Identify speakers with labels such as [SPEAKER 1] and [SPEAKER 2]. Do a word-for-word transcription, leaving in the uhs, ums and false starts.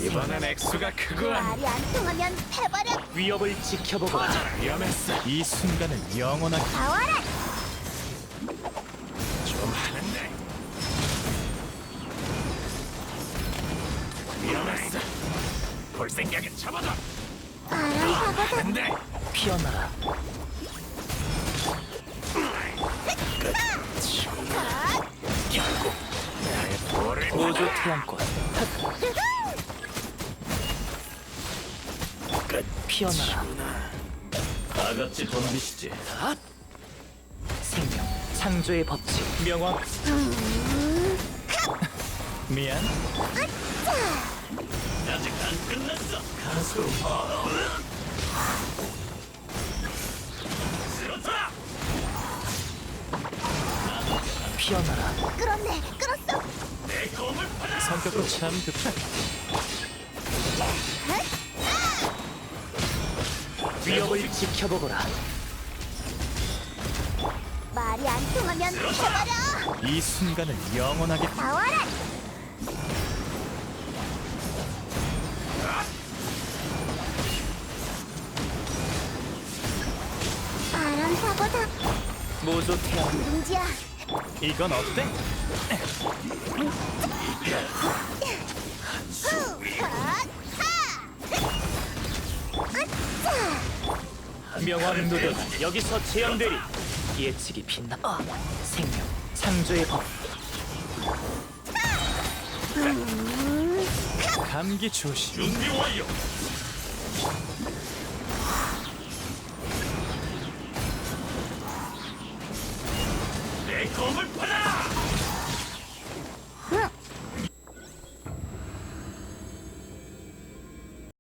[SPEAKER 1] 이번엔 액수가 크군.
[SPEAKER 2] 말이 안 통하면 해버려.
[SPEAKER 3] 위협을 지켜보거라.
[SPEAKER 1] 위험했어.
[SPEAKER 4] 이 순간은 영원하게
[SPEAKER 2] 나와라.
[SPEAKER 1] 좀 하는데. 위험했어. 볼 생각은 접어둬.
[SPEAKER 2] 바람 사고도
[SPEAKER 1] 근데
[SPEAKER 3] 피어나라.
[SPEAKER 1] 결국 나의 볼을
[SPEAKER 3] 우주 태양권.
[SPEAKER 1] 끝.
[SPEAKER 3] 피어나라.
[SPEAKER 1] 다 같이 덤비시지.
[SPEAKER 3] 생명, 창조의 법칙, 명확.
[SPEAKER 4] 미안.
[SPEAKER 1] 아직 안 끝났어. 가수. 쓰러져라.
[SPEAKER 3] 피어나라.
[SPEAKER 2] 끌었네. 끌었어.
[SPEAKER 1] 내 검을 받아.
[SPEAKER 4] 성격도 참 급해.
[SPEAKER 3] 위협을 지켜보거라.
[SPEAKER 2] 말이 안 통하면 해버려.
[SPEAKER 4] 이 순간은 영원하게
[SPEAKER 2] 나와라. 바람 사고다.
[SPEAKER 3] 모조 태양.
[SPEAKER 2] 문지야.
[SPEAKER 4] 이건 어때?
[SPEAKER 3] 명왕 누드 여기서 재현되리. 예측이 빛나. 아, 생명, 창조의 법.
[SPEAKER 4] 감기 조심.
[SPEAKER 1] 준비 완료. 내 검을 받아.